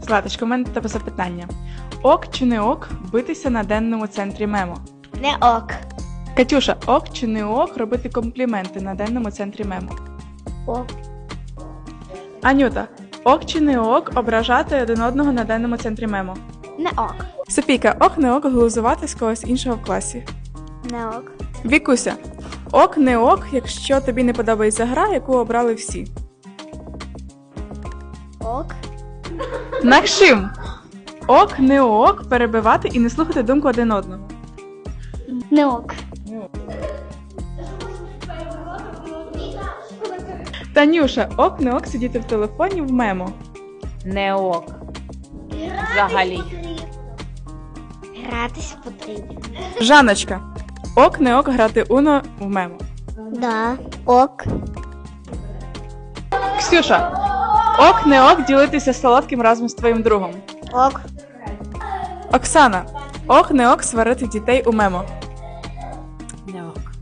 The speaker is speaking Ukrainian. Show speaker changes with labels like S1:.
S1: Златочко, у мене до тебе запитання. Ок чи не ок битися на денному центрі мемо?
S2: Не ок.
S1: Катюша, ок чи не ок робити компліменти на денному центрі мемо?
S2: Ок.
S1: Анюта, ок чи не ок ображати один одного на денному центрі мемо?
S2: Не ок.
S1: Софійка, ок не ок глузувати з когось іншого в класі?
S2: Не ок.
S1: Вікуся, ок не ок, якщо тобі не подобається гра, яку обрали всі?
S2: Ок.
S1: Максим, ок не ок перебивати і не слухати думку один одного?
S2: Не ок.
S1: Танюша, ок не ок сидіти в телефоні в мемо?
S3: Не ок. Взагалі.
S2: Гратись потрібно.
S1: Жаночка, ок не ок грати уно в мемо?
S2: Да. Ок.
S1: Ксюша, ок не ок ділитися солодким разом з твоїм другом?
S2: Ок.
S1: Оксана, ок не ок сварити дітей у мемо?
S3: Не ок.